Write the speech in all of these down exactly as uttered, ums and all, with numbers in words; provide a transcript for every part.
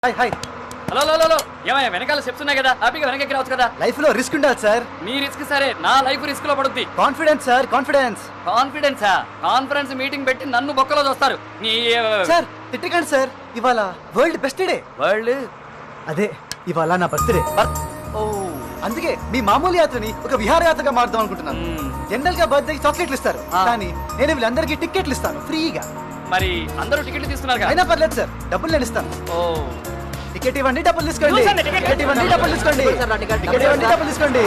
Hi hi hello hello hello ఏమయ్యా వెనకాల steps ఉన్నాయి కదా హ్యాపీగా వెనక్కి రావచ్చు కదా. లైఫ్ లో రిస్క్ ఉండాలి సార్. మీ రిస్క్ సరే, నా లైఫ్ రిస్క్ లో పడుద్ది. Confidence sir, confidence. కాన్ఫిడెన్సా? కాన్ఫరెన్స్ మీటింగ్ పెట్టి నన్ను బొక్కలో చూస్తారు. నీ సార్ తిట్టకండి సార్, ఇవాళ వరల్డ్ బెస్ట్ డే. వరల్డ్ అదే ఇవాళ నా బర్త్డే. ఓ అందుకే మీ మామూలు యాత్రని ఒక విహారయాత్రగా మారుదాం అనుకుంటున్నాను. జనరల్ గా బర్త్డే చాక్లెట్లు ఇస్తారు, కానీ నేను వీళ్ళందరికీ టికెట్లు ఇస్తాను ఫ్రీగా. మరి అందరూ టికెట్లు తీసుకున్నారు. అయినా పర్లేదు సార్, డబ్బులు నేను ఇస్తాను. ఓ టికెట్ ఇవ్వండి, డబ్బులు తీసుకోండి. టికెట్ ఇవ్వండి, డబ్బులు తీసుకోండి. టికెట్ ఇవ్వండి, డబ్బులు తీసుకోండి.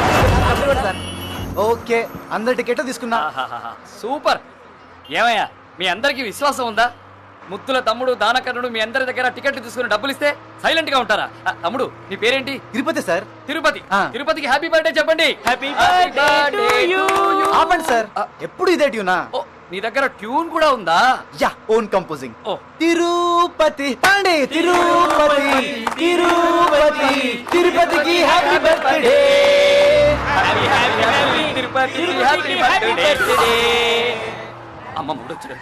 ఓకే, అందరి టికెట్ తీసుకున్నా. సూపర్. ఏమయ్యా మీ అందరికి విశ్వాసం ఉందా? ముత్తుల తమ్ముడు దానకర్ణుడు మీ అందరి దగ్గర టికెట్లు తీసుకుని డబ్బులు ఇస్తే సైలెంట్ గా ఉంటారా? తమ్ముడు నీ పేరేంటి? తిరుపతి సార్. తిరుపతి. తిరుపతికి హ్యాపీ బర్త్డే చెప్పండి. Happy birthday to you. ఆపండి సార్, ఎప్పుడు ఇదే ట్యూనా? ఓ నీ దగ్గర ట్యూన్ కూడా ఉందా? Yeah, own composing. ఓ తిరుపతి పండి, తిరుపతి తిరుపతి తిరుపతికి happy birthday. Happy happy happy Tirupati happy birthday. అమ్మ మూడొచ్చాడు.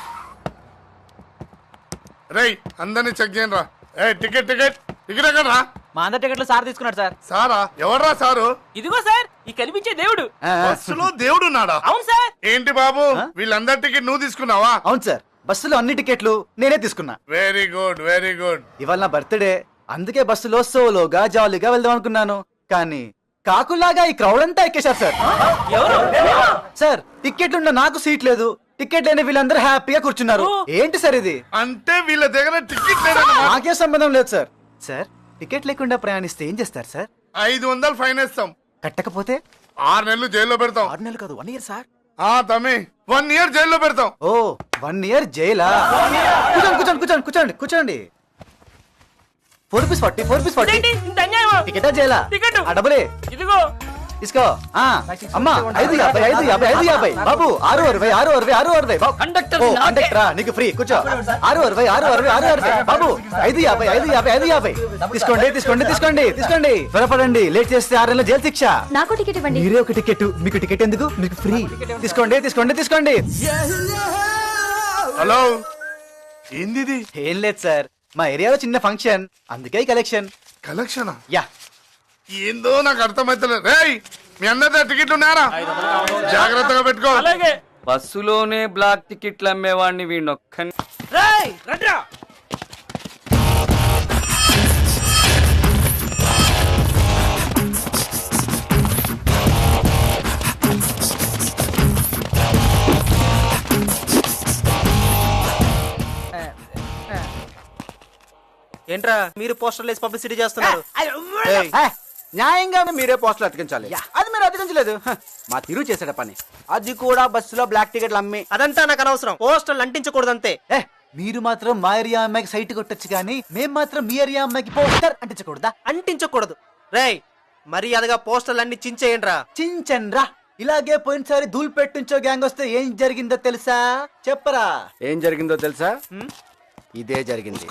రేయ్ అందరినీ చెక్ చేయండి రా. ఏ టికెట్ టికెట్ టికెట్ ఎక్కడ రా? మా అందరి టికెట్లు సార్ తీసుకున్నాడు సార్. సారా? ఎవర్రా సారు? ఇదిగో సార్, ఈ కనిపించే దేవుడు. బస్సులో దేవుడు ఉన్నాడా? అవును సార్. ఏంటి బాబు, వీళ్ళందరి టికెట్ నువ్వు తీసుకున్నావా? అవును సార్, బస్సులో అన్ని టికెట్లు నేనే తీసుకున్నా. Very good very good. ఇవాళ నా బర్త్డే, అందుకే బస్సులో సోలోగా జాలీగా వెళ్దాం అనుకున్నాను. కానీ కాకులాగా ఈ క్రౌడ్ అంతా ఎక్కేశారు సార్. సార్ టికెట్లున్న నాకు సీట్ లేదు, టికెట్ లేని వీళ్ళందరూ హ్యాపీగా కూర్చున్నారు. ఏంటి సార్ ఇది? అంటే వీళ్ళ దగ్గర టికెట్ లేదన్నమాట. నాకే సంబంధం లేదు సార్. సార్ టికెట్ లేకుండా ప్రయాణిస్తే ఏం చేస్తారు సార్? ఐదు వందలు ఫైన్ వేస్తాం. కట్టకపోతే ఆరు నెలలు జైల్లో పెడతాం. ఆరు నెలలు కాదు, వన్ ఇయర్ సార్. ఆ తమ్మి, వన్ ఇయర్ జైల్లో పెడతాం. ఓ వన్ ఇయర్ జైలా? కూర్చోండి కూర్చోండి కూర్చోండి కూర్చోండి కూర్చోండి. Four piece forty four piece forty. టికెటా జైలా? టికెట్. ఆ డబ్బులే ఇదిగో తీసుకో. ఆ అమ్మా, ఐదు యాభై ఐదు యాభై ఐదు యాభై. బాబు ఆరు అరవై ఆరు అరవై ఆరు అరవై. కండక్టర్ ఓ కండక్టరా, నీకు ఫ్రీ, కూర్చో. ఆరు అరవై ఆరు అరవై ఆరు అరవై. బాబు ఐదు యాభై ఐదు యాభై ఐదు యాభై. తీసుకోండి తీసుకోండి తీసుకోండి తీసుకోండి. త్వరపడండి, లేట్ చేస్తే ఆరు నెలల జైలు శిక్ష. నాకు టికెట్ ఇవ్వండి. మీరే ఒక టికెట్, మీకు టికెట్ ఎందుకు? మీకు ఫ్రీ. తీసుకోండి తీసుకోండి తీసుకోండి. హలో, ఏంది ఇది? ఏం లేదు సార్, మా ఏరియాలో చిన్న ఫంక్షన్, అందుకే కలెక్షన్. కలెక్షనా? యా. ఏందో నాకు అర్థమైతలేదు. రేయ్ మీ అందరి టికెట్లు ఉన్నారా? జాగ్రత్తగా పెట్టుకో. అలాగే. బస్సులోనే బ్లాక్ టికెట్లు అమ్మేవాడిని వీణొక్క. రేయ్ రండ్రా. ఏంట్రా మీరు పోస్టర్లు వేసి పబ్లిసిటీ చేస్తున్నారు? ఏయ్, న్యాయంగా మీరే పోస్టులు అతికించాలి. అది మీరు అతికించలేదు. హ, మా తిరు చేసాడ పని. అది కూడా బస్సులో బ్లాక్ టికెట్లు అమ్మి. అదంతా నాకు అనవసరం. పోస్టర్లు అంటించకూడదంతే. ఏ మీరు మాత్రం మా ఏరియా అమ్మాయికి సైట్ కొట్టొచ్చు, కానీ మేం మాత్రం మీ ఏరియా అమ్మాయికి పోస్టర్ అంటించకూడదా? అంటించకూడదు. రేయ్ మర్యాదగా పోస్టర్లు అన్ని చించేయండిరా. చించన్రా. ఇలాగే పోయినసారి ధూల్ పెట్టించో గ్యాంగ్ వస్తే ఏం జరిగిందో తెలుసా? చెప్పరా. ఏం జరిగిందో తెలుసా? ఇదే జరిగింది.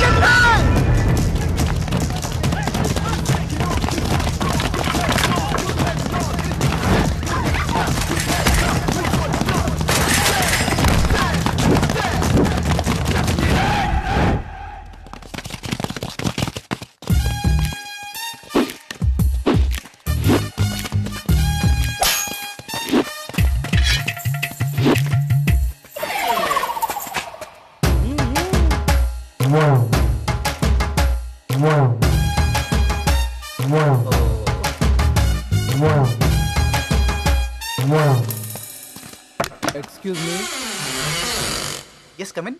Excuse me. Yes come in.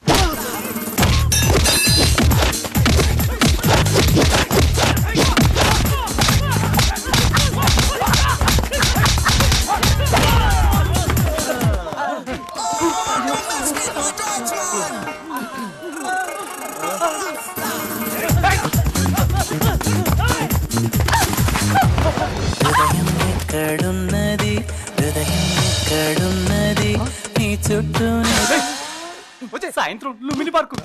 ఎక్కడున్నది హృదయం, ఎక్కడున్నది నీ చుట్టూ? సాయంత్రం లుమిని పార్కు.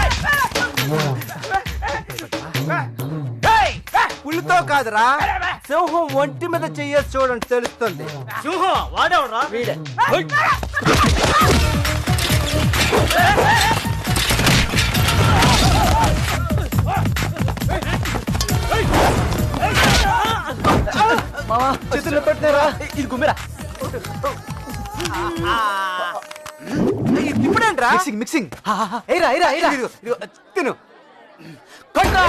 పులితో కాదురా, సింహం ఒంటి మీద చెయ్యేసి చూడండి, తెలుస్తుంది. సింహం వాడేవరా? వీడే. చేతుల్లో పెట్టినారా ఇది గుమ్మిరా ఇప్పుడేంట్రా మిక్సింగ్ మిక్సింగ్ ఏరా ఏరా ఏరా తిను కొట్రా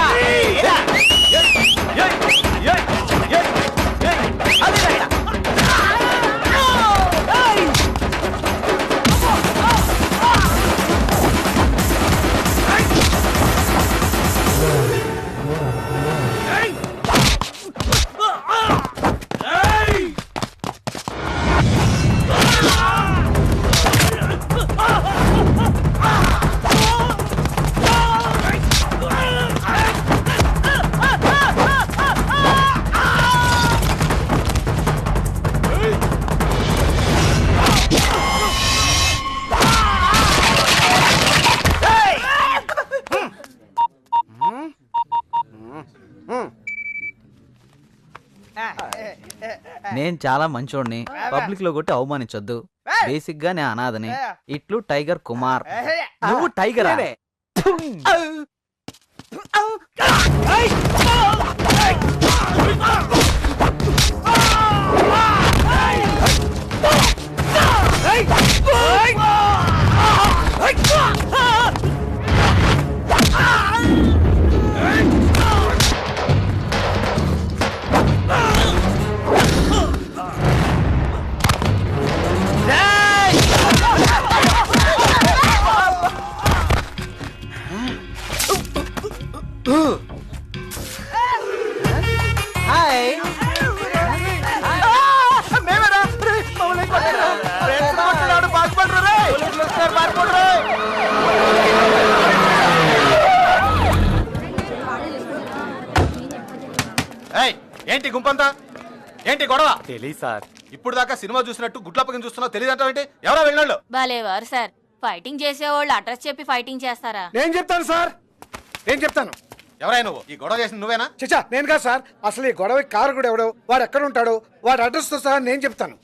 నేను చాలా మంచోడిని పబ్లిక్ లో కొట్టి అవమానించొద్దు బేసిక్ గా నేను అనాథని ఇట్లు టైగర్ కుమార్ నువ్వు టైగర్ హాయ్ ఏంటి గుంపంతా ఏంటి గొడవ తెలియదు సార్ ఇప్పుడు దాకా సినిమా చూసినట్టు గుడ్లప్పకం చూస్తున్నావు తెలియదు అంటావు ఏంటి ఎవరో వెళ్ళినాళ్ళు భలేవారు సార్ ఫైటింగ్ చేసేవాళ్ళు అడ్రస్ చెప్పి ఫైటింగ్ చేస్తారా నేను చెప్తాను సార్ నేను చెప్తాను ఎవరై నువ్వు ఈ గొడవ చేసింది నువ్వేనా చచ్చా నేను కాదు సార్ అసలు ఈ గొడవ కారకుడు ఎవడో వాడు ఎక్కడ ఉంటాడో వాడి అడ్రస్ తో సహా నేను చెప్తాను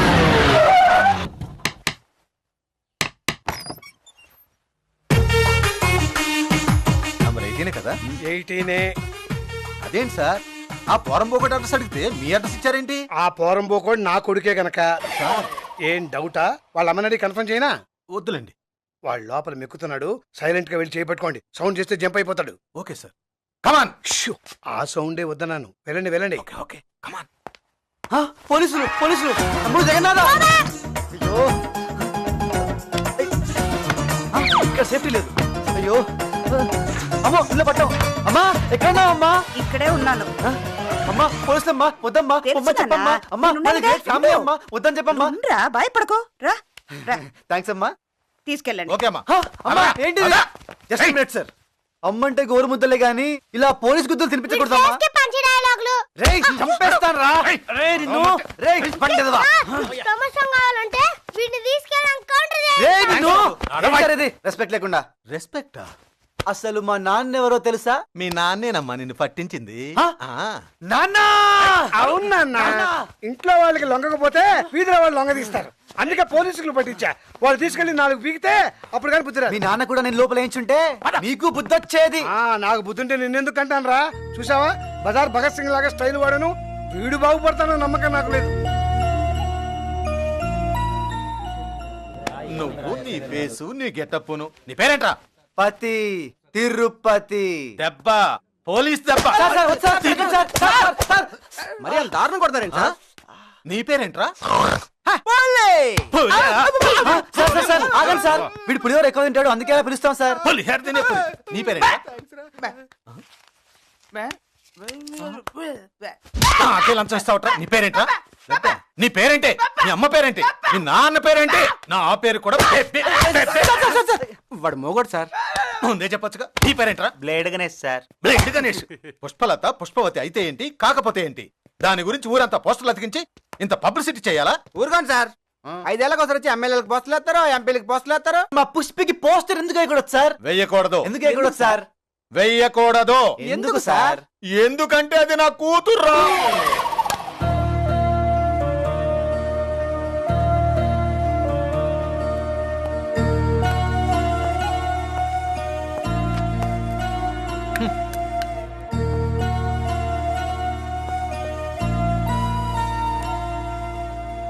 నంబర్ ఎయిటీనే కదా ఎయిటీనే అదేంటి సార్ ఆ పోరంబోకటి అడ్రస్ అడిగితే మీ అడ్రస్ ఇచ్చారేంటి ఆ పోరం పోకోడు నా కొడుకే గనక ఏం డౌటా వాళ్ళ అమ్మనడి కన్ఫర్మ్ చేయనా వద్దులేండి వాడు లోపల మెక్కుతున్నాడు సైలెంట్ గా వెళ్ళి చేపట్టుకోండి సౌండ్ చేస్తే జంప్ అయిపోతాడు ఓకే సార్ కమాన్ షూ, ఆ సౌండే వద్దన్నాను వెళ్ళండి వెళ్ళండి ఓకే ఓకే కమాన్ పోలీసులు పోలీసులు తమ్ముడు జగన్నాథ అయ్యో ఆ, ఇక్కడ సేఫ్టీ లేదు అయ్యో అమ్మో ఇల్లు పట్టాం అమ్మా ఎక్కడున్నావు అమ్మా ఇక్కడే ఉన్నాను. ఆ, అమ్మా పోలీసులమ్మా వద్దమ్మా తెలుసు అమ్మ చెప్పమ్మా నాన్న. అమ్మా నేనున్నానుగా, మాది గ్రేట్ ఫ్యామిలీ ఇదిగో. అమ్మా వద్దని చెప్పమ్మా రా భయపడకో రా రా థ్యాంక్స్ అమ్మా తీసుకెళ్ళండి. ఓకే అమ్మా హా, అమ్మా అమ్మా, ఏంటి అమ్మా. జస్ట్ మినిట్ సార్ అమ్మంటే గోరు ముద్దలే గాని ఇలా పోలీస్ గుద్దులు తినిపించకూడదమ్మా రేయ్ చంపేస్తాను రా రేయ్ నిన్ను రేయ్ పండేదవా రేయ్ నిన్ను ఏంటది రెస్పెక్ట్ లేకుండా రెస్పెక్టా అసలు మా నాన్న ఎవరో తెలుసా మీ నాన్నేనమ్మా నిన్ను పట్టించింది హా? ఆ. నాన్న అవునా ఇంట్లో వాళ్ళకి లొంగకపోతే వీధిలో వాళ్ళు లొంగ తీస్తారు అందుకే పోలీసులు పట్టించా వాళ్ళు తీసుకెళ్లి నాలుగు పీకితే అప్పుడు కానీ బుద్ధి రాదు. మీ నాన్న కూడా నేను లోపల వేయించుంటే నీకు బుద్ధి వచ్చేది ఆ నాకు బుద్ధుంటే నిన్నెందుకు అంటాను రా చూసావా బజార్ భగత్ సింగ్ లాగా స్టైల్ వాడను వీడు బాగుపడతాను నమ్మకం నాకు లేదు. నువ్వు నీ ఫేసు నీ గెటప్పును నీ పేరేంట్రా పతి తిరుపతి దెబ్బ పోలీస్ దెబ్బ సార్, సార్, వద్దు సార్, తిరగండి సార్, సార్, సార్, సార్. మరి అంత దారుణం కొడతారేంటి సార్ నీ పేరేంట్రా ఆ, సార్ సార్ సార్ ఆగండి సార్ వీడు పులిహోర ఎక్కువ తింటాడు అందుకే అలా పిలుస్తాం సార్ పులిహోర తినే పులి. నీ పేరేంట్రా నాకే లంచం ఇస్తావట్రా నీ పేరేంట్రా నీ పేరేంటే నీ అమ్మ పేరేంటి నీ నాన్న పేరేంటి నా ఆ పేరు కూడా బె- బె- బె- బె- వాడు మోగోడు సార్. ముందే చెప్పొచ్చుగా నీ పేరేంట్రా blade Ganesh sir. Blade Ganesh Pushpalatha పుష్పవతి అయితే ఏంటి కాకపోతే ఏంటి దాని గురించి ఊరంతా పోస్టర్లు అతికించి ఇంత పబ్లిసిటీ చేయాలా ఊరుకోండి సార్. ఐదేళ్ళకి ఒకసారి వచ్చి ఎమ్మెల్యేలకు పోస్టులు వేస్తారు ఎంపీలకు పోస్టులు వేస్తారు. మా పుష్పికి పోస్టర్ ఎందుకు వేయకూడదు సార్ వెయ్యకూడదు ఎందుకు వేయకూడదు సార్ వెయ్యకూడదు ఎందుకు సార్ ఎందుకంటే అది నా కూతుర్రా